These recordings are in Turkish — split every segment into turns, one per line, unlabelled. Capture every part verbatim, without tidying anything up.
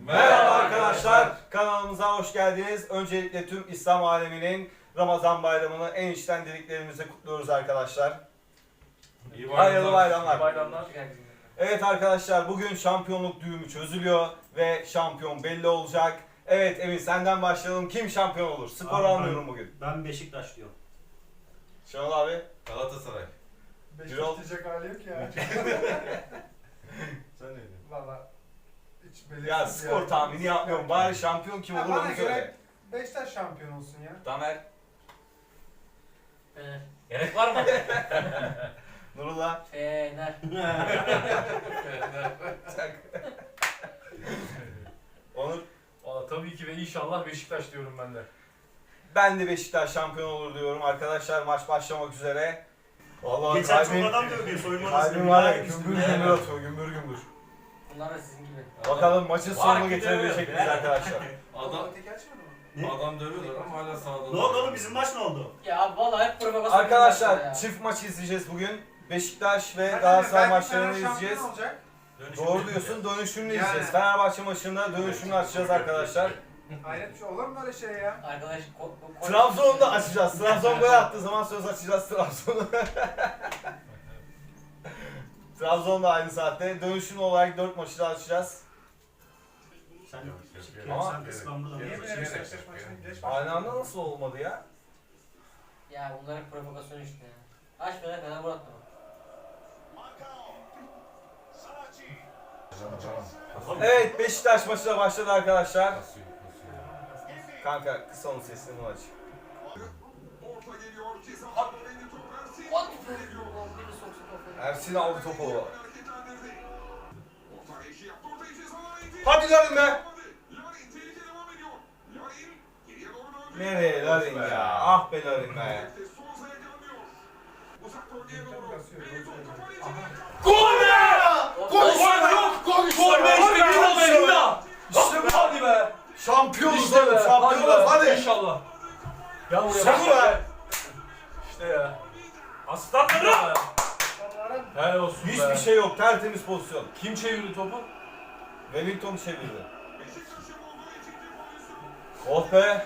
Merhaba arkadaşlar, kanalımıza hoş geldiniz. Öncelikle tüm İslam aleminin Ramazan bayramını en içten dileklerimizi kutluyoruz arkadaşlar.
İyi
Hayırlı bayramlar.
İyi bayramlar.
Evet arkadaşlar, bugün şampiyonluk düğümü çözülüyor ve şampiyon belli olacak. Evet Emin, senden başlayalım. Kim şampiyon olur? Skor
Abi
almıyorum
ben-
bugün.
Ben Beşiktaş diyorum.
Şenol abi.
Galatasaray.
Birol.
Beşiktaş diyecek hali yok ya.
Sen ne diyorsun?
Valla hiç belirsiz
Ya skor tahmini yapmıyorum. Bari şampiyon kim
Ya
olur
bana
onu
göre-
söyle.
Beşiktaş şampiyon olsun ya.
Tamer.
Fener.
Gerek var mı?
Nurullah.
Fener.
Onur.
Valla tabii ki ve inşallah Beşiktaş diyorum ben de.
Ben de Beşiktaş şampiyon olur diyorum. Arkadaşlar maç başlamak üzere. Vallahi
Geçen
kalbim,
çok adam dövdü soyunma
kalbim var ya gümbür gümbür atıyor, gümbür gümbür.
Bunlar da sizin gibi.
Bakalım maçın
Var
sonunu
ki
getirebilecek
dövüyor.
miyiz arkadaşlar?
Adam
Öteki açmadı mı?
Ne?
adam dövüyorlar ama hala sağda.
Ne oldu oğlum, bizim maç ne oldu?
Ya abi vallahi hep provokasyon.
Arkadaşlar
ya.
çift maç izleyeceğiz bugün. Beşiktaş ve
Belki-
Galatasaray
belki
maçlarını
Fener
izleyeceğiz.
şampiyon olacak.
Doğru diyorsun, dönüşümlü
Yani.
izleyeceğiz. Fenerbahçe maçında dönüşümlü açacağız arkadaşlar.
Hayret bir şey olur mu böyle şey ya?
Arkadaş ko- ko-
Trabzon'u da açacağız. Trabzon gol attığı zaman söz açacağız Trabzon'u. Trabzon da aynı saatte. Dönüşümlü olarak dört maçı da açacağız.
Sen
Ama-
sen kıskandı da.
Niye
Niye
böyle
böyle
Beşiktaş
Beşiktaş
maçını
maçını
geç
Aynı anda nasıl olmadı ya?
Ya bunlar hep provokasyon işte ya. Aç Fener Fener Murat mı?
Evet, Beşiktaş maçı da başladı arkadaşlar.
Kasıyor, kasıyor.
Kanka kısa onun sesini aç.
Ot! Biri soksa kafayı.
Ersin aldı topu. Hadi Larin be! Nereye Larin ya? Ah be Larin be.
Gol be!
Ot-
Gol
Ot-
işte yok! Gol işte!
Gol be işte bir gol be İmda!
İşte bu!
Hadi be!
Şampiyonuz
İşte
oğlum,
be!
şampiyonuz hadi!
İnşallah. Ya buraya
İşte
bak.
bu be!
İşte ya. Aslanlarım!
Onların
Helal olsun be.
Hiçbir şey yok, tertemiz pozisyon.
Kim çevirdi topu?
Wellington çevirdi. Oh be!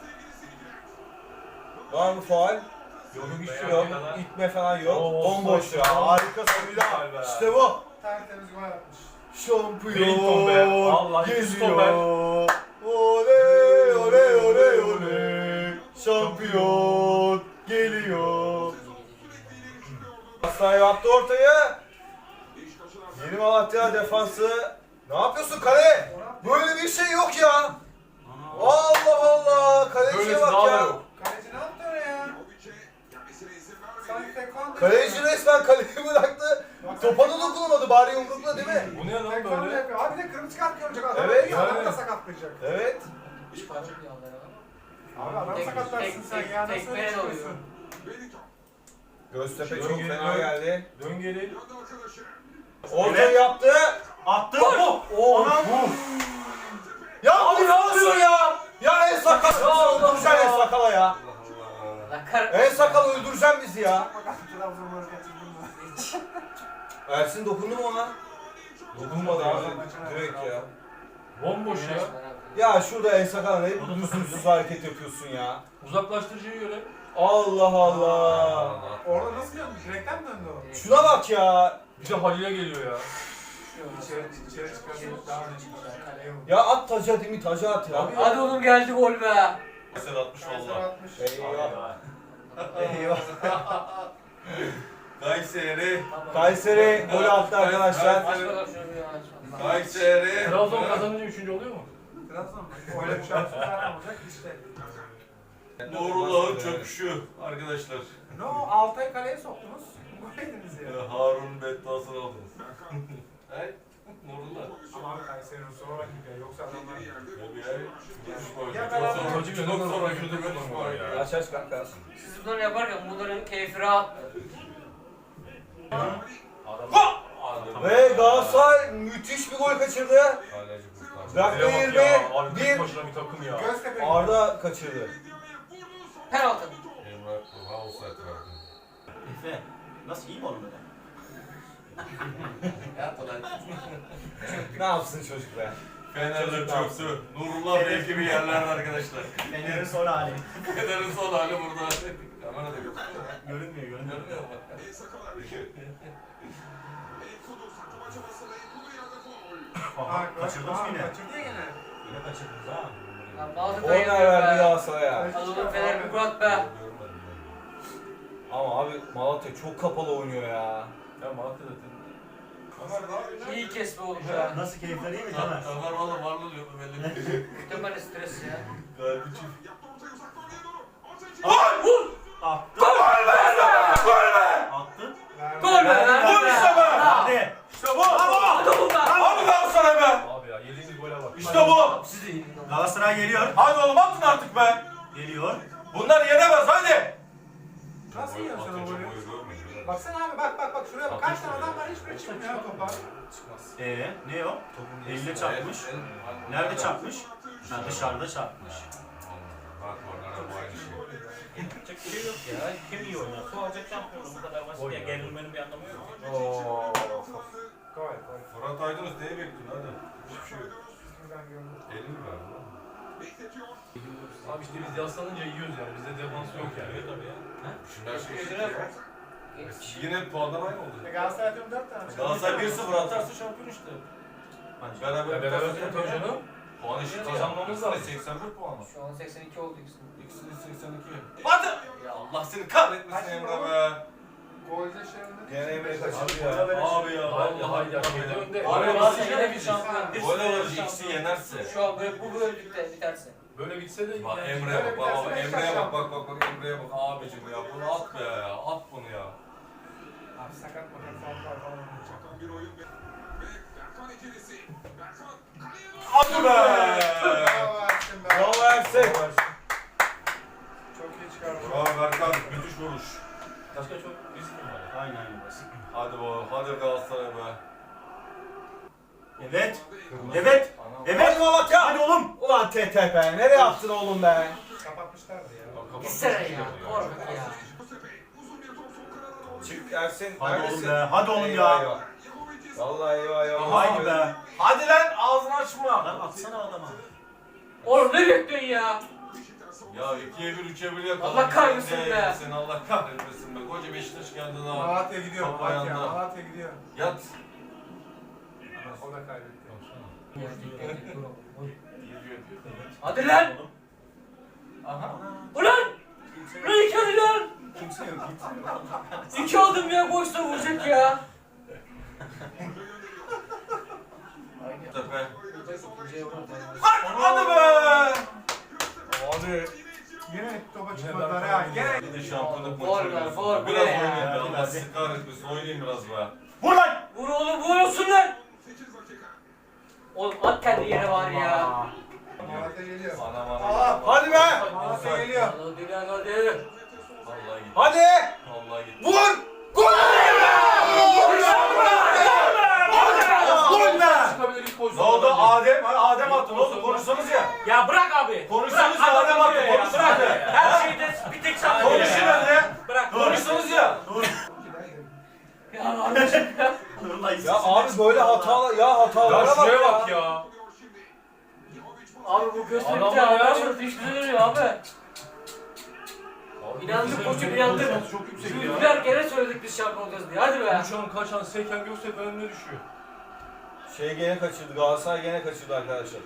Var mı faul? Yok, hiçbir şey yok. İtme falan yok.
Oo,
Bomboş ya.
offside.
Harika Samira.
Güzel be.
İşte bu.
tertemiz gol atmış.
Şampiyon
Wellington be. Vallahi
geliyor. Oley oley oley oley. Şampiyon geliyor. Aslan yaptı ortayı. Yeni Malatya defansı. Ne yapıyorsun kale? Böyle bir şey yok ya. Allah Allah. Kaleciye
Böylesi
bak
daha da
ya.
yok.
Kaleci ne yaptı öyle ya? Sanki tekvando.
Kaleci resmen kaleyi bıraktı. Topa da dokunamadı. Bari yumrukla değil mi?
Bu ne lan
Tekvando
böyle?
yapıyor. Abi bir de kırmızı kart görecek adam.
Evet,
Evet. Adamı
yani.
da sakatlayacak.
Evet.
Hiç para yok ya onlara.
Abi adamı
Tek-
sakatlarsın
tek-
sen
tek-
ya. Nasıl
tekmeye
öyle
de
çıkıyorsun?
Göztepe
Dön
çok
geri,
fena
dön.
geldi.
Dön geri.
Ortayı yaptı.
Attı.
Oh, ya abi ne yapıyorsun ya? Ya en sakal.
Ya Allah
Öldüreceksin en
Allah.
sakala ya.
La kar...
En sakal öldüreceksin bizi ya.
Trabzonları kaçırdın mı?
Ersin dokundu mu ona? Dokunmadı abi. Direkt ya.
Bomboş ya.
Ya şurada en sakal ne lüzumsuz hareket yapıyorsun ya.
Uzaklaştırıcıya göre.
Allah Allah.
Orada nasıl döndü? Direkten mi döndü o?
Şuna bak ya.
Bir de Halil'e geliyor ya.
İçeri, içeri çıkarsa daha öne çıkacak. Kaleye vurdu.
Ya at taca değil mi? Taca at ya.
Hadi oğlum geldi gol be.
Sen atmış
Ersin
valla.
atmış.
Eyvah. Eyvah.
Kayseri.
Kayseri gol attı arkadaşlar.
Aç bakalım şunu bir aç.
Kayseri.
Trabzon kazanınca üçüncü oluyor mu?
Trabzon mu? Öyle bir şansı zaten olacak işte.
Nurullah'ın çöküşü arkadaşlar.
Ne o? Altay kaleye soktunuz. Gol yediniz ya.
Ee, Harun bedduasını aldınız. Hey, Nurullah.
Ama abi Kayseri'nin sonra rakip ya. Yoksa adamlar...
Ya
Ya beraber-
Çok sonra kötü konuşma ya.
Aç aç kanka.
Siz bunları yaparken bunların keyfi rahattı.
Ve Galatasaray müthiş bir gol kaçırdı. Dakika
Bak
yirmi
ya, abi tek
bir.
başına bir takım ya.
Göztepe.
Arda kaçırdı.
Penaltı.
Emrah Kurha offside verdi.
Efe, nasıl iyi mi oğlum böyle?
Ne yapsın çocuk be?
Fener'de çöktü. Nurullah Bey gibi yerlerde arkadaşlar.
Fener'in son hali.
Fener'in son hali burada. Kamerada gözüküyor.
Görünmüyor, görünmüyor.
Görmüyor mu?
El sakalar. Enkudu saklama çabası ve Enkudu yerde faul.
Aha, kaçırdınız mı yine?
Kaçırdı ya gene.
Yine kaçırdınız ha.
Lan Malatya
Korner
dayıyor
verdi
be.
Galatasaray'a.
Adamın Fener bir Murat be.
Görmedim ben.
Ama abi Malatya çok kapalı oynuyor ya.
Ya Malatya zaten.
İyi kesme oğlum ya.
Nasıl keyifleri iyi mi
Ömer
Tamer?
Ömer valla varlı diyordu belli değil.
Muhtemelen stres ya.
Galiba çift.
Yaptı ortayı uzaktan oraya doğru. Orta içi.
Attı.
Gol be! Gol be!
Attı.
Gol be!
Gol işte be!
Hadi.
İşte bu!
Hadi oğlum be!
Hadi Galatasaray be!
Abi ya yediğiniz gole bak.
İşte bu!
Siz de iyi.
Galatasaray geliyor.
Hadi oğlum atın artık be!
Geliyor.
Bunlar yenemez hadi!
Nasıl yiyorsun sen o
Atınca
golü?
boyu görmüyor.
Baksana abi bak bak bak şuraya bak. Kaç tane adam var hiçbiri çıkmıyor ya topa.
Ee, ne o? Elle çarpmış. Nerede çarpmış? Ha, dışarıda çarpmış.
Bak oralara bu aynı şey.
Yapacak bir şey yok ya. Kim iyi oynuyorsa o alacak şampiyonu. Bu kadar basit ya. Gerilmenin bir anlamı yok.
Oo.
Gol gol.
Fırat Aydınus neye bekliyorsun hadi? Hiçbir şey yok.
Şuradan gördüm.
Elini mi verdi lan?
Bekletiyor.
Abi işte biz yaslanınca yiyoruz yani. Bizde defans yok yani.
Evet tabii ya.
Şimdi her şey eşit ya.
Geç.
Yine puanlar aynı oldu.
E, Galatasaray atıyorum dört tane.
Galatasaray bir sıfır atarsa şampiyon işte.
Hadi.
Beraber
Ya beraber tabii canım.
Puan eşit
Kazanmamız lazım.
seksen bir puan var.
Şu an seksen iki oldu ikisinin.
İkisinin seksen iki. Hadi! Ya Allah seni kahretmesin Emre be.
Golde şey önünde.
Gene Emre kaçırdı
Abi,
ya.
Abi ya
Haydi
vallahi
haydi
ya.
haydi önde.
Abi,
Abi,
nasıl
Galatasaray yine bir şampiyon. Bir
Gol
sürü
alır
şampiyon.
ikisi yenerse.
Şu an böyle bu bölümlükte biterse.
Böyle bitse de
Bak
yani-
Emre'ye bak
Böyle
bak bak
bir
Emre'ye
dersin
bak bak bak bak Emre'ye bak abicim ya bunu at be ya at bunu ya.
Abi sakat makat falan falan.
Çakan bir oyun ve ve Berkan ikilisi. Berkan kaleye doğru.
Hadi be!
Bravo Ersin be.
Bravo Ersin!
Çok iyi çıkardın.
Bravo Berkan müthiş vuruş.
Başka çok risk mi var?
Aynen aynen basit.
Hadi bu hadi Galatasaray be.
Evet. Evet. Evet.
Hadi Malatya!
Hadi oğlum.
Ulan T T be! Nereye attın oğlum be?
Kapatmışlardı ya.
Gitsene ya. Korkut ya.
Mustafa uzun bir top sol kanada doğru.
Çık Ersin.
Hadi
neredesin?
oğlum be. Hadi oğlum
Eyvah,
ya.
eyvah.
Yahovic
Vallahi eyvah eyvah.
Haydi be.
Hadi lan ağzını açma.
Lan atsana adama.
Oğlum ne bekliyorsun ya?
Ya ikiye bir üçe bir yakaladı.
Allah kahretsin
Sen de
be.
Sen Allah kahretmesin be. Koca Beşiktaş geldi daha.
Malatya gidiyor.
Top
Malatya.
ayağında.
Malatya gidiyor.
Yat.
O da kaybetti.
Hadi lan!
Aha.
Ulan! Ulan iki hadi lan!
Kimse yok. Kimse yok.
İki adım ya boşta vuracak ya.
Tepe.
Hadi be! Abi.
Yine topa çıkmadılar ha. Gene.
Bir de şampiyonluk
Gol
maçı
be,
oynuyorsun.
gol,
Biraz
bu ne ya?
oynayayım be.
Hadi,
Allah
hadi.
sizi kahretmesin. Oynayayım biraz be.
Vur lan.
Vur oğlum vur olsun lan!
sekiz dakika.
Oğlum at kendi yere var ya.
Malatya geliyor.
Anam anam.
Aa,
anam.
Hadi be!
Malatya geliyor.
Hadi lan hadi.
Vallahi gitti.
Hadi!
Vallahi gitti.
Vur! Gol! Gol be!
Çıkabilir ilk
Ne
pozisyon.
oldu Adem? Ha, Adem attı. Ne oldu? Konuşsanız ya.
Ya bırak abi.
Konuşsanız
Bırak,
ya
adam
Adem attı.
diyor ya,
Konuşun
bırak.
hadi.
Her şeyde bir tek sen
Konuşun
diyor ya.
hadi.
Bırak.
Konuşsanız ya.
Ya kardeşim ya.
Nurullah
Ya abi böyle hatalar ya hatalara
Ya
bak
şuraya
ya.
bak ya.
Abi bu gösterip
Adam
de
ya.
adam sonra fişli duruyor abi. İnandık koçum inandık.
Şansı çok yüksek ya.
Yüzler kere söyledik biz şampiyon olacağız diye. Hadi be.
Şu an kaç an Seyken Göktepe önüne düşüyor.
Şey gene kaçırdı. Galatasaray gene kaçırdı arkadaşlar.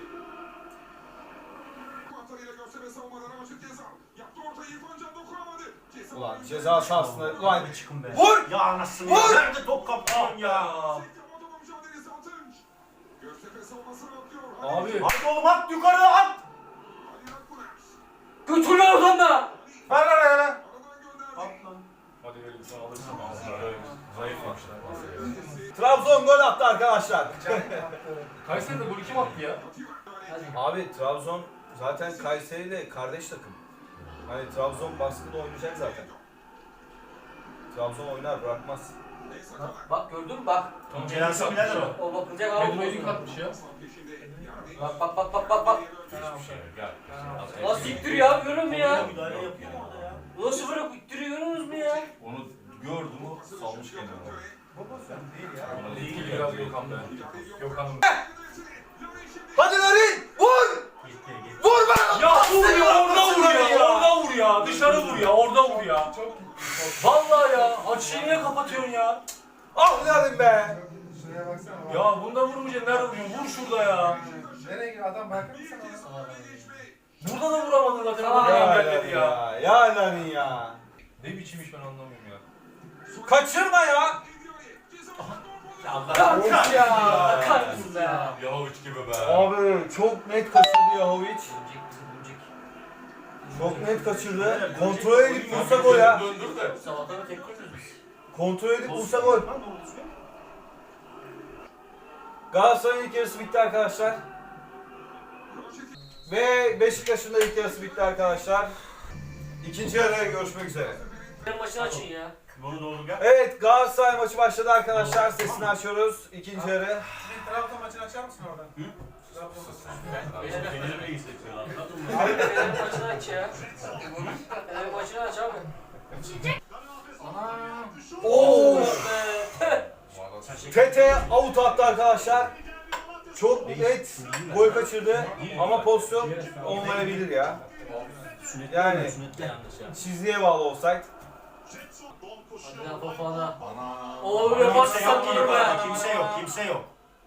Kurtarıyla Göztepe savunmadan Ramazan Gezal. Yaptı ortayı İrfan Can dokunamadı. Ceza
Ulan
oyuncu-
ceza sahasında. Ulan
Çıkın be.
Vur!
Ya anasını.
Vur!
ya. Nerede top kaptan ya?
Sektirme topu mücadelesi Atınç. Göztepe savunmasına atlıyor.
Abi.
Hadi oğlum at yukarı at.
Ali Akbuner.
Götür lan oradan da.
Ver ver ver.
Aradan gönderdi.
At lan.
Hadi verin sen alırsın.
Zayıflamışlar.
Trabzon gol attı arkadaşlar.
Kayseri'de golü kim attı ya?
Hadi.
Abi Trabzon zaten Kayseri ile kardeş takım. Hani Trabzon baskıda oynayacak zaten. Trabzon oynar bırakmaz.
Bak, bak gördün mü bak.
Tam
Celal'sin birader o.
O bakılacak abi.
Pedro'yu dik atmış ya.
Bak bak bak bak bak bak.
Gel.
Nasıl ittiriyor abi görüyor musun ya?
Müdahale yapıyor orada ya.
Nasıl bırak ittiriyor görüyorsunuz mu ya?
Onu gördüm o salmış kendini.
Bu pozisyon değil ya.
Değil biraz Gökhan be. Gökhan'ın.
Hadi lan!
ya, orada vur ya.
Çok
Vallahi ya, açıyı niye kapatıyorsun ya?
Ah lalim be.
Şuraya baksana. bak.
Ya bunda vurmayacaksın, nerede vuruyorsun? Vur şurada ya.
Nereye gidiyor adam bakar mısın ona?
Salak adam ya.
Burada da vuramadın zaten,
Aa,
orada
Ya
engelledi
lalim
ya.
ya. Ya lalim ya.
Ne biçim iş ben anlamıyorum ya.
Kaçırma ya.
Ya Allah
Kalk ya. Kalk be.
Yahoviç gibi be.
Abi çok net kaçırdı Yahoviç.
Bölecek bizi bölecek.
Çok net kaçırdı. Kontrol edip vursa gol ya.
Döndür de.
Sabahtan tek koyuyoruz biz.
Kontrol edip vursa gol. Galatasaray'ın ilk yarısı bitti arkadaşlar. Ve Beşiktaş'ın da ilk yarısı bitti arkadaşlar. İkinci yarıya görüşmek üzere.
Ben maçını açın ya.
Bunu doğru gel.
Evet, Galatasaray maçı başladı arkadaşlar. Sesini açıyoruz. İkinci yarı.
Bir Trabzon maçını açar mısın orada?
Hı?
Trabzon maçını.
Fener'i de hissediyor anladın mı?
Abi Fener'in maçını aç ya. Fener'in maçını aç abi.
Ana.
Oo!
Be.
Tete out attı arkadaşlar. Çok net gol kaçırdı ama pozisyon olmayabilir ya. Yani çizgiye bağlı olsaydı.
Hadi lan Fofana.
Ana.
Oo
Kimse
yaparsın
yok,
sanki be.
kimse yok, kimse yok.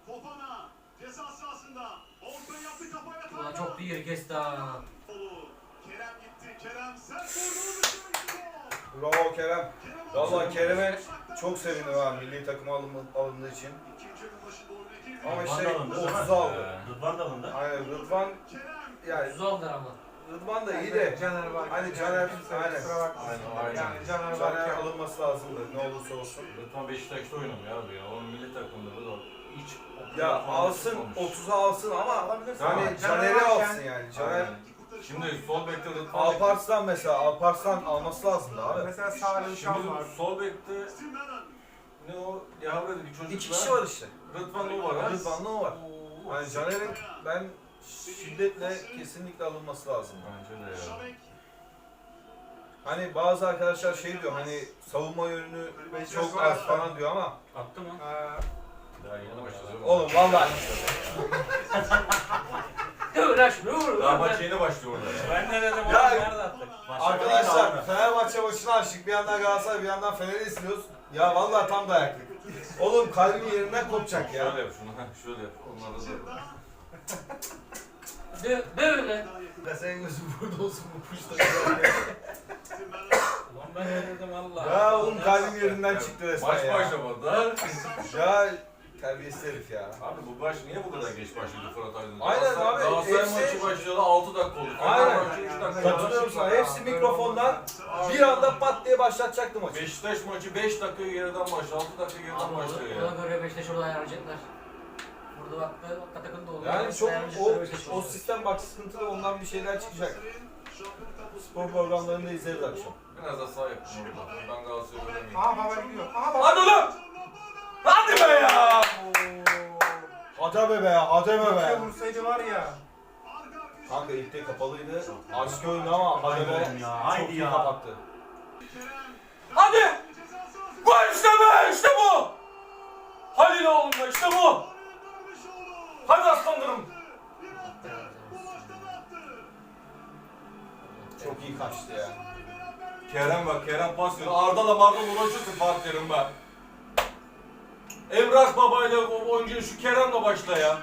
Ulan çok bir yeri kesti ha.
Bravo Kerem. Valla Kerem'e çok sevindim ha milli takıma alınma, alındığı için. Ama işte otuza aldı.
Rıdvan da alındı.
Aynen Rıdvan yani
Yüzü aldılar ama.
Rıdvan da iyi de
Caner var.
hani Caner aynen.
Kusura bakma.
Aynen, aynen.
Yani Caner
Caner
var.
alınması lazımdı ne olursa olsun.
Rıdvan Beşiktaş'ta oynamıyor abi ya. Onun milli takımında da hiç...
Ya alsın otuza alsın ama
Alabilirsin
yani
ama
Caner'i
varken-
alsın yani. Caner
Aynen. Şimdi sol bekte Rıdvan...
Alparslan mesela Alparslan alması lazımdı abi.
Mesela Salih
Şimdi
Uşan var.
sol bekte... Ne o? Yavru'daki çocuk
İki kişi var işte.
Rıdvan o var ha.
Rıdvan'la o var. Yani Caner'in ben şiddetle kesinlikle alınması lazım.
Bence de ya.
Hani bazı arkadaşlar şey diyor hani savunma yönünü çok az falan diyor ama
Attı mı?
Aa,
Daha yeni başladı.
oğlum vallahi
Dur lan şunu vur.
Daha maç yeni başlıyor orada ya.
Ben ne dedim oğlum,
Ya-
nerede attık?
arkadaşlar Fenerbahçe maçını açtık bir yandan Galatasaray bir yandan Fener'i izliyoruz. Ya vallahi tam dayaklık. Oğlum kalbim yerinden kopacak ya.
Şöyle yap şunu. heh, Şöyle yap. Onları da.
Dö böyle.
Ya senin gözün burada olsun bu puşta.
Ulan ben ne dedim Allah.
Ya oğlum kalbim yerinden çıktı resmen
Maç
ya.
başlamadı ha.
Ya terbiyesiz herif ya.
Abi bu baş niye bu kadar geç başladı Fırat Aydın?
Aynen
Galatasaray-
abi,
Galatasaray
hepsi-
maçı başladı altı dakika oldu.
Aynen.
Fener maçı üç dakika oldu.
Katılıyorum sana. Hepsi mikrofondan bir anda pat diye başlatacaktı maçı.
Beşiktaş maçı beş dakika geriden başladı. altı dakika geriden
Abi
başlıyor
ona
ya.
göre Beşiktaş orada ayarlayacaklar. Burada baktı, Katakın da oluyor.
Yani çok
Ayarlayacaklar
o,
Beşiktaş
o
orada.
sistem bak sıkıntılı ondan bir şeyler çıkacak. Spor programlarında izleriz akşam.
Biraz da sağ yapın orada. Ben Galatasaray'ı göremeyeyim.
Aha baba gidiyor. Aha baba.
Hadi ulan! Hadi be ya! Hadi be be, hadi be
Keşke
be.
vursaydı var ya.
Kanka ilk de kapalıydı. Açık oyundu ama hadi be.
Haydi ya, haydi
Çok iyi
ya.
kapattı.
Hadi! Gol işte be! İşte bu! Halil oğlum be, işte bu! Hadi aslanlarım!
Çok iyi kaçtı ya.
Kerem bak Kerem pas veriyor. Arda'la Marda'la uğraşırsın Fatih Terim be. Emrah babayla o oyuncu şu Kerem'le başla ya.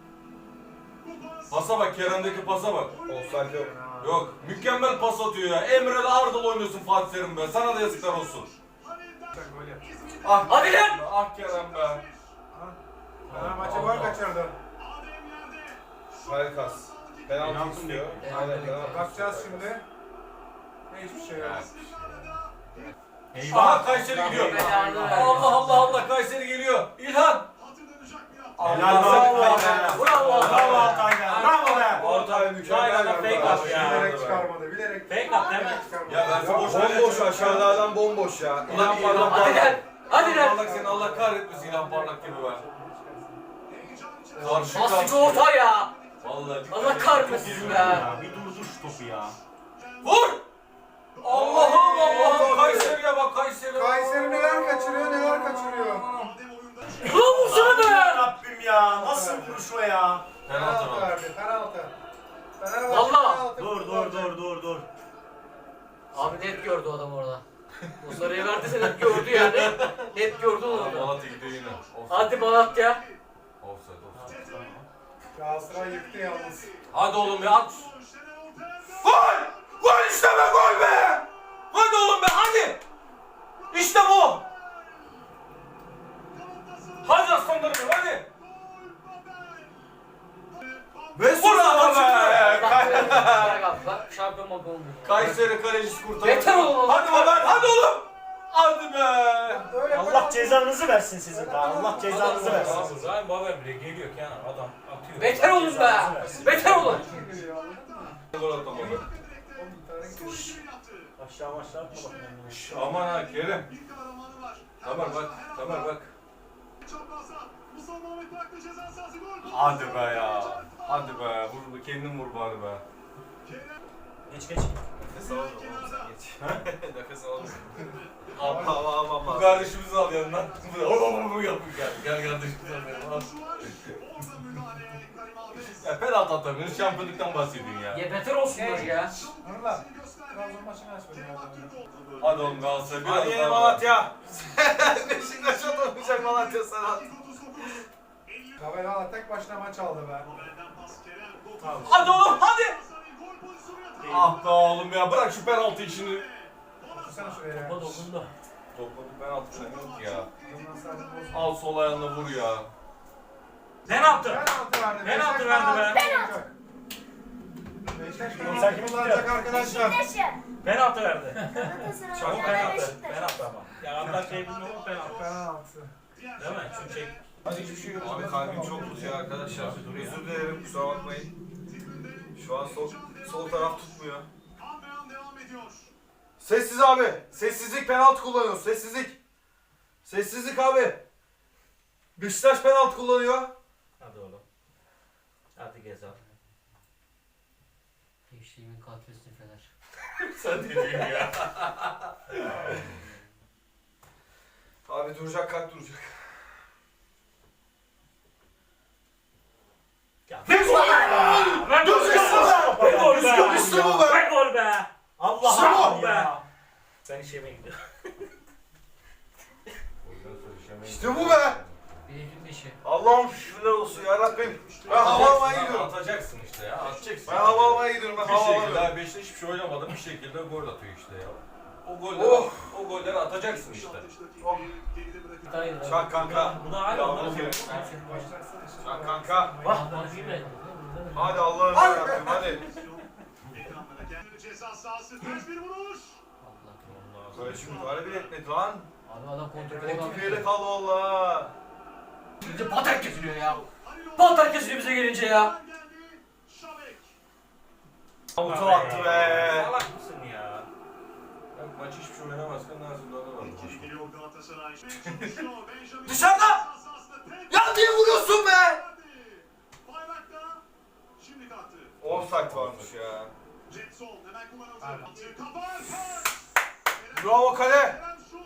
Pasa bak Kerem'deki pasa bak.
Offside yok.
Yok mükemmel pas atıyor ya. Emre'yle Arda'la oynuyorsun Fatih Terim be. Sana da yazıklar olsun.
Gol yap.
Ah
Hadi lan!
Ah Kerem be.
Fenerbahçe gol kaçırdı.
Harikas. Penaltı
Penaltı
istiyor.
mı?
Aynen penaltı.
Bakacağız şimdi. Hiçbir şey yok.
Eyvah.
Aha Kayseri gidiyor.
Belanı versin.
Allah Allah Allah Kayseri geliyor. İlhan.
Helal be.
Bravo.
Bravo. Bravo Altay be. Bravo be.
Ortaya mükemmel.
Aynen, fake
bir
at
pas.
ya.
Bilerek çıkarmadı. Bilerek.
Fake at değil mi?
Çıkarmadı.
Ya ben sana boş ver.
Bomboş aşağılardan bomboş ya.
Ulan
İnan
İlhan
bana.
Hadi lan! Hadi lan!
Parlak seni Allah kahretmesin İlhan Parlak gibi be. Karşı
Nasıl bir
karşı.
orta ya?
Vallahi.
Allah kahretmesin be.
Ya bir durdur şu topu ya.
Vur! Allah'ım Allah'ım Kayseri'ye bak Kayseri'ye.
Kayseri neler kaçırıyor neler kaçırıyor.
Ulan vursana be!
Rabbim ya. Nasıl vuruş o ya?
Penaltı
Penaltı
var.
verdi. Penaltı. Fenerbahçe
Valla.
penaltı
Dur dur
kullanacak.
dur dur dur.
Abi net gördü o adam orada. O sarıyı verdiyse net gördü yani. Net gördü onu orada.
Malatya gidiyor yine. Offside.
Hadi Malatya.
Offside, offside.
Galatasaray yıktı yalnız.
Hadi oğlum ya at. Gol! Gol işte be, gol be! Hadi oğlum be, hadi! İşte bu! Hadi aslanlarım, hadi!
Ve
Vur lan be!
Bak bırak abi bak şampiyon bak olmuyor.
Kayseri kalecisi kurtardı.
Yeter oğlum.
Hadi Haber, hadi oğlum! Hadi be!
Öyle
Allah cezanızı versin sizin de. Allah cezanızı versin.
Abi Ryan Babel bile geliyor kenar adam atıyor.
Beter olun be. Beter olun.
Gol atamadı.
Aşağı aşağı atma bak.
Şş, aman ha Kerim. Tamer bak, Tamer bak. Hadi be ya. Hadi be, vur, kendin vur bari be.
Geç geç.
Nefes alalım oğlum sen geç. Nefes alalım.
Abi,
Hava hava
bu
hava.
kardeşimizi al yanından. Bu bu yapın gel. Gel kardeşimizi al yanından. Al. Ya penaltı atamıyoruz, şampiyonluktan bahsediyorsun ya.
Ya beter olsunlar ya.
Nurlar. Trabzon maçını açmadım ya.
Hadi oğlum Galatasaray biraz
Hadi yeni
daha-
Malatya. Beşiktaş atamayacak Malatya sana.
Kabel tek başına maç aldı be.
Hadi oğlum hadi. Ah be oğlum ya, bırak şu penaltı işini.
Otursana şuraya ya.
Topa dokundu.
Topla bir penaltı falan yok ya.
Bundan sonra bozma.
Al sol ayağına vur ya.
Penaltı.
Penaltı verdi.
Penaltı
Beşiktaş
verdi be.
kullanacak. Beşiktaş
Sen
penaltı
kimi
kullanacak arkadaşlar.
Penaltı verdi. Ama
Ama
penaltı. Penaltı ama. Ya Allah şey bilmiyor ama penaltı.
Penaltı.
Değil mi? Çünkü şey.
Hadi hiçbir şey yok. Abi kalbim çok tutuyor arkadaşlar. Özür dilerim, kusura bakmayın. Şu an sol, sol taraf tutmuyor. Sessiz abi. Sessizlik, penaltı kullanıyoruz. Sessizlik. Sessizlik abi. Beşiktaş penaltı kullanıyor.
Hadi oğlum. Hadi Gezal.
Gençliğimin katilisini Fener.
Sen ne diyorsun ya?
Abi duracak, kalp duracak.
Ve gol be.
İşte bu be.
Ve gol be. Allah
İşte bu.
Allah be. Ben iş yemeye gidiyorum.
İşte bu be.
Bildiğin işi.
Allah'ım şükürler olsun ya Rabbim. Ben hava almaya gidiyorum.
Atacaksın işte ya, atacaksın.
Ben hava almaya gidiyorum. Ben
Bir
hava
şekilde
alamıyorum.
daha Beşiktaş hiçbir şey oynamadı, bir şekilde gol atıyor işte ya. O golleri,
Oh.
o golleri atacaksın işte.
Bir tane yedi.
Çak kanka.
Bu da hala
Ya,
ondan
bu
sonra.
Çak kanka.
Bak bak değil mi?
Hadi Allah'ım yarabbim hadi.
Allah.
Böyle şimdi müdahale bile etmedi lan.
Abi adam kontrol
Kontrol yere
edemedi.
kaldı valla.
Bir de patak kesiliyor ya. Patak kesiliyor bize gelince ya.
Avuta attı be.
Salak mısın ya?
Bak maç hiçbir şey oynamazken Nazım Dağ'da var.
Dışarıda. Ya niye vuruyorsun be? Offside varmış ya. Bravo kale.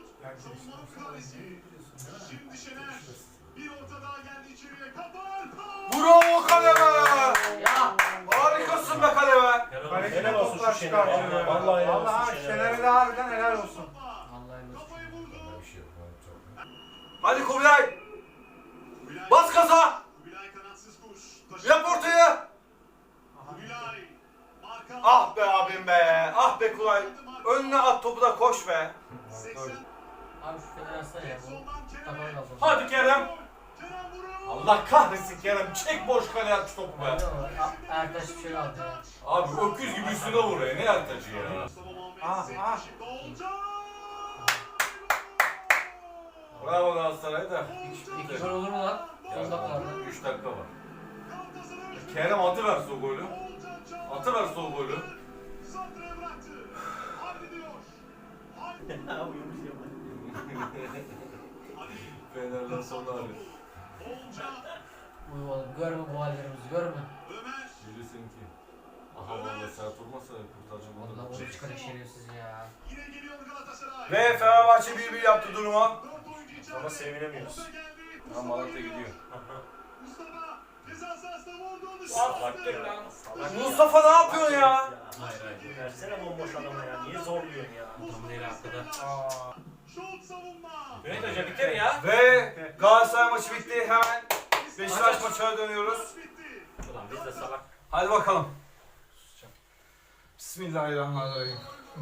Bravo kale be.
Ya.
Harikasın be kale be.
Kaleci
Helal
de
olsun
toplar
şu
çıkartıyor.
Şener'e.
ya.
Vallahi helal olsun
Vallahi
Şener'e.
Şener'e de harbiden helal olsun.
Vallahi olsun.
Bir şey yok.
Hadi Kubilay. Bas gaza. Yap ortaya. Ah be abim be. Ah be Kulay. Önüne at topu da koş be.
Abi şu Fener atsana ya. Bu tabanı kaldı.
Hadi Kerem. Allah kahretsin Kerem. Çek boş kale at şu topu be.
Ertaş bir şey aldı ya.
Abi öküz gibi üstüne vuruyor. Ne ertacı ya.
Ah ah.
Bravo Galatasaray da.
İki gol olur mu lan? on dakika.
üç dakika var. Kerem atıverse o golü. Atıverse o golü.
Ne yapıyormuş ya?
Fener'den sonra arıyor.
Uy oğlum görme bu hallerimizi görme.
Bilirsin ki. Aha valla sert vurmasa kurtarıcı bunu.
Vallahi onu çıkarın şerefsiz ya.
Ve Fenerbahçe bir bir yaptı duruma.
Ama sevinemiyoruz.
Ha Malatya gidiyor.
Salak değil lan.
Mustafa ne yapıyorsun ya?
Hayır hayır. Versene bomboş adama ya. Niye zorluyorsun ya?
Adam değil arkada. Mehmet Hoca bitir ya.
Ve Galatasaray maçı bitti. Hemen Beşiktaş maçına dönüyoruz.
Ulan biz de salak.
Hadi bakalım. Bismillahirrahmanirrahim.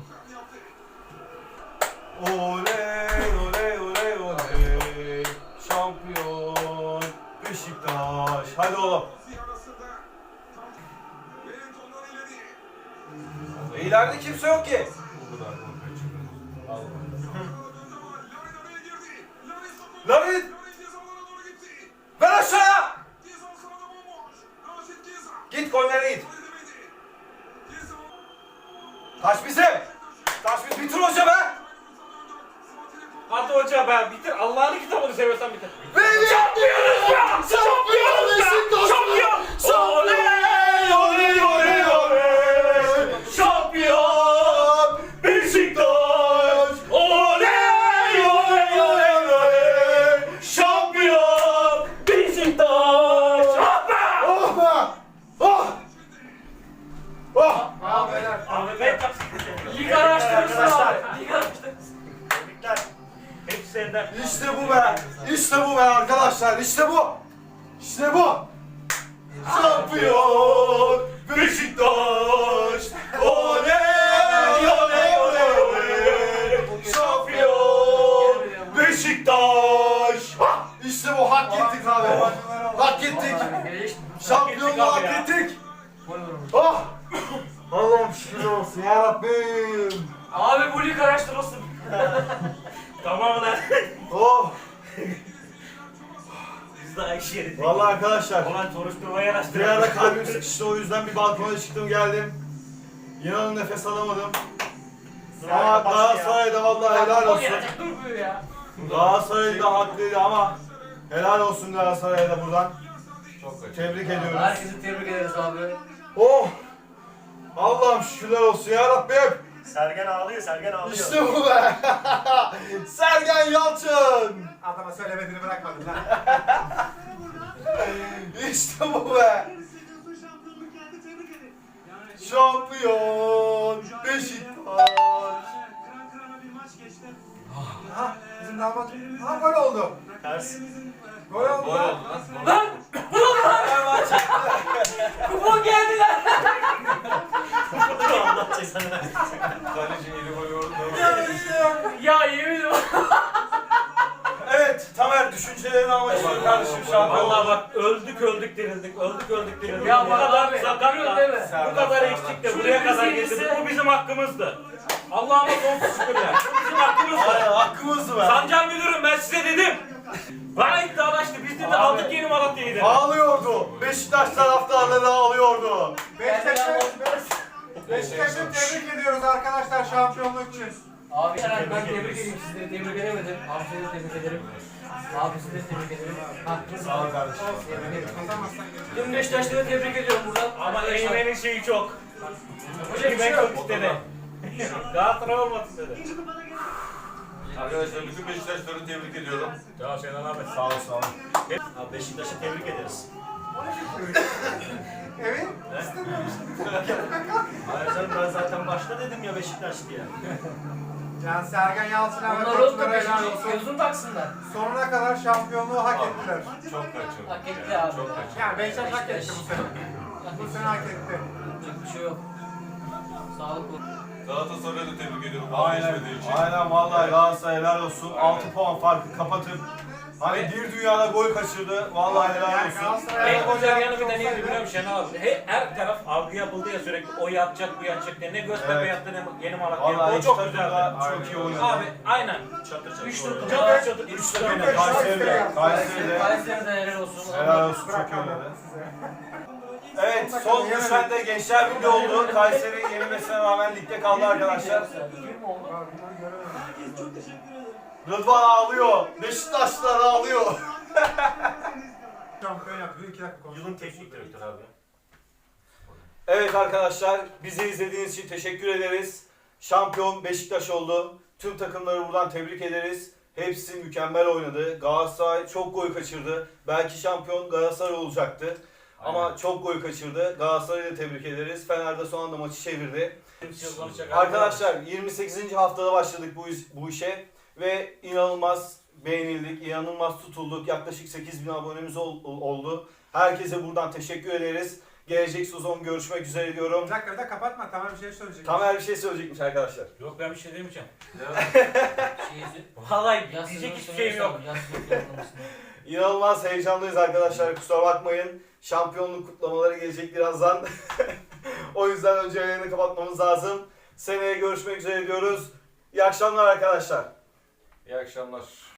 Oley oley oley oley. Şampiyon Beşiktaş. Hadi oğlum. E, İleride kimse yok ki. Larin! Ver aşağıya! Git kornere git. Taş bizim. Taş biz bitir hoca be.
Hadi hoca be bitir. Allah'ın kitabını seviyorsan bitir.
Benim
Şampiyonuz ya!
şampiyon Beşiktaş.
Şampiyon!
Oley oley oley oley.
Şampiyon!
Beşiktaş.
Oley oley oley oley! Şampiyon! Beşiktaş! Ah be!
Oh be. Oh. Oh.
Abi beyler.
Abi ben kapsın.
Lig araştırırsın abi. Lig araştırırsın.
Tebrikler. Hepsi senden.
İşte bu be. İşte bu be arkadaşlar. İşte bu. İşte bu. Şampiyon Beşiktaş. Oley oley oley oley. Şampiyon Beşiktaş. İşte bu, hak ettik abi. Hak ettik. Şampiyonluğu hak ettik. Oh. Allah'ım şükür olsun ya Rabbim.
Abi bu lig araştırılsın.
Tamam lan.
Oh.
Biz de Ayşe yedik.
Vallahi arkadaşlar.
Ulan soruşturmayı
Bir
araştıralım.
ara kalbim sıkıştı, o yüzden bir balkona çıktım geldim. İnanın nefes alamadım. Ama Galatasaray'da vallahi helal
O
olsun.
gelecek durmuyor ya.
Galatasaray'da haklıydı ama helal olsun Galatasaray'da buradan. Tebrik ediyoruz.
Herkesi tebrik ederiz abi.
Oh! Allah'ım şükürler olsun ya Rabbim.
Sergen ağlıyor, Sergen ağlıyor.
İşte bu be. Sergen Yalçın.
Adama söylemediğini bırakmadın lan.
İşte bu be. Şampiyon Beşiktaş.
Aha bizim damat. Aha gol oldu.
Ters.
Gol oldu lan.
Lan! Kupon geldi lan!
Allah cezanı versin.
Ya yemin ederim.
Evet, Tamer düşüncelerini almak istiyorum kardeşim şampiyon.
Vallahi bak öldük öldük dirildik. Öldük öldük dirildik.
Ya
bu
bak
kadar
abi,
sakatla,
görüyorsun değil mi?
bu kadar eksik de
Şunu
buraya kadar
bilseydi
getirdik.
ise-
Bu bizim hakkımızdı. Allah'ıma sonsuz şükürler. Bu bizim hakkımızdı.
Aynen, hakkımızdı be.
Sancar Müdürüm ben size dedim. Bana iddialaştı. Biz de aldık yeni Malatya'yı dedi.
Ağlıyordu. Beşiktaş taraftarları ağlıyordu.
Beşiktaş'ı Beşiktaş'ı tebrik ediyoruz arkadaşlar şampiyonluk için.
Abi herhalde ben tebrik edeyim, sizleri tebrik edemedim. Abi seni de tebrik ederim. Abi sizi de tebrik ederim. Haklısın.
Sağ ol kardeşim.
Tebrik ederim. Tüm Beşiktaşları tebrik ediyorum buradan.
Ama
Arkadaşlar,
Eymen'in şeyi çok.
Hocam bir şey
Ben
yok.
çok istedi. Galatasaray olmasın dedi.
Arkadaşlar bütün Beşiktaşları tebrik ediyorum.
Ya Şener abi.
Sağ ol, sağ ol.
Abi Beşiktaş'ı tebrik ederiz.
Evet.
Hayır canım ben zaten başta dedim ya Beşiktaş diye.
Yani Sergen Yalçın'a ve
Onlar oldu
koçlara helal
Beşiktaş.
olsun.
Gözünü taksınlar.
Sonuna kadar şampiyonluğu hak ettiler.
Çok kaçırdım.
Hak etti abi.
Çok kaçırdım.
Yani Beşiktaş hak etti bu sene.
Hak
Bu
etti.
sene hak etti.
Yapacak bir şey yok. Sağlık olsun.
Galatasaray'ı da tebrik ediyorum.
Aynen,
Vazgeçmediği için.
aynen vallahi Galatasaray helal olsun. altı puan farkı kapatıp hani bir dünyada gol kaçırdı. Vallahi helal
Yani
olsun.
Galatasaray'a
En
gol
güzel yanı
yapmış
bir de neydi
olsaydı-
biliyor musun Şener abi? He, her taraf algı yapıldı ya sürekli o yatacak bu yatacak diye. Ne Göztepe
Evet.
yattı ne Yeni Malatya.
Vallahi
O
iki
çok
takım
güzeldi.
da çok iyi oynadı.
Abi aynen.
Çatır çatır.
Üç
oynadı.
takım.
Çatır çatır. Üç
Üç
takım.
takım da Kayseri'de. Kayseri'de.
Kayseri'de helal olsun.
Helal olsun, çok iyi oynadı. Evet, son düşen de Gençler Birliği oldu. Kayseri yenilmesine rağmen ligde kaldı arkadaşlar.
Kim oldu?
Rıdvan ağlıyor. Beşiktaşlar ağlıyor.
Şampiyon yaptı. Bir iki dakika konuşalım.
Yılın teknik direktörü abi.
Evet arkadaşlar, bizi izlediğiniz için teşekkür ederiz. Şampiyon Beşiktaş oldu. Tüm takımları buradan tebrik ederiz. Hepsi mükemmel oynadı. Galatasaray çok gol kaçırdı. Belki şampiyon Galatasaray olacaktı. Ama çok gol kaçırdı. Galatasaray'ı da tebrik ederiz. Fener de son anda maçı çevirdi.
Arkadaşlar
Arkadaşlar yirmi sekizinci haftada başladık bu, iş- bu işe ve inanılmaz beğenildik, inanılmaz tutulduk. Yaklaşık sekiz bin abonemiz ol- oldu. Herkese buradan teşekkür ederiz. Gelecek sezon görüşmek üzere diyorum.
Bir dakika bir dakika kapatma, tamam bir şey söyleyecek.
Tamer bir şey söyleyecekmiş arkadaşlar.
Yok ben bir şey demeyeceğim.
Şeyi
Vallahi
yaz
diyecek
sezonu
hiçbir şeyim yok.
Yaz sezonu planlamasını.
İnanılmaz heyecanlıyız arkadaşlar, kusura bakmayın. Şampiyonluk kutlamaları gelecek birazdan. O yüzden önce yayını kapatmamız lazım. Seneye görüşmek üzere diyoruz. İyi akşamlar arkadaşlar.
İyi akşamlar.